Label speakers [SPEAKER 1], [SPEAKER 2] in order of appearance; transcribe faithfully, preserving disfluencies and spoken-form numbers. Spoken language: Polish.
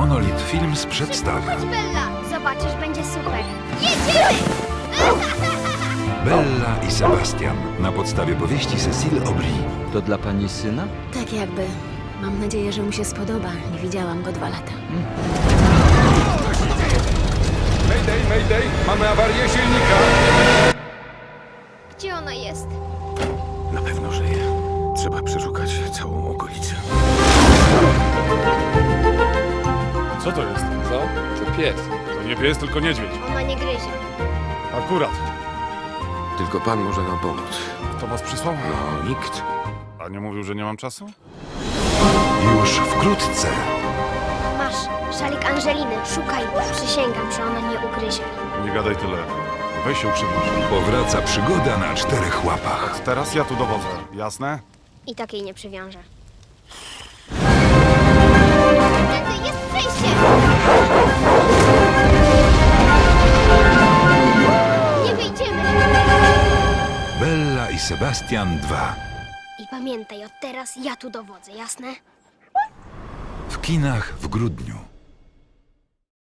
[SPEAKER 1] Monolit Films przedstawia
[SPEAKER 2] Chodź, Bella! Zobaczysz, będzie super. Jedziemy!
[SPEAKER 1] Bella i Sebastian na podstawie powieści Cécile Aubry.
[SPEAKER 3] To dla pani syna?
[SPEAKER 4] Tak jakby. Mam nadzieję, że mu się spodoba. Nie widziałam go dwa lata.
[SPEAKER 5] Mayday, mayday! Mamy awarię silnika!
[SPEAKER 2] Gdzie ona jest?
[SPEAKER 5] Na pewno żyje. Trzeba przeszukać całą okolicę.
[SPEAKER 6] Co to jest?
[SPEAKER 3] Co? To pies.
[SPEAKER 6] To nie pies, tylko niedźwiedź.
[SPEAKER 2] Ona nie gryzie.
[SPEAKER 6] Akurat.
[SPEAKER 5] Tylko pan może nam pomóc.
[SPEAKER 6] Kto was przysłał?
[SPEAKER 5] No, nikt.
[SPEAKER 6] A nie mówił, że nie mam czasu?
[SPEAKER 1] Już wkrótce
[SPEAKER 2] Masz, szalik Angeliny. Szukaj. Przysięgam, że ona nie ugryzie.
[SPEAKER 6] Nie gadaj tyle. Weź się uprzymisz.
[SPEAKER 1] powraca przygoda na czterech łapach.
[SPEAKER 6] Teraz ja tu dowodzę. Jasne?
[SPEAKER 2] I tak jej nie przywiążę. Tędy jest przejście! Nie wyjdziemy!
[SPEAKER 1] Bella i Sebastian dwa.
[SPEAKER 2] I pamiętaj, od teraz ja tu dowodzę, jasne?
[SPEAKER 1] W kinach w grudniu.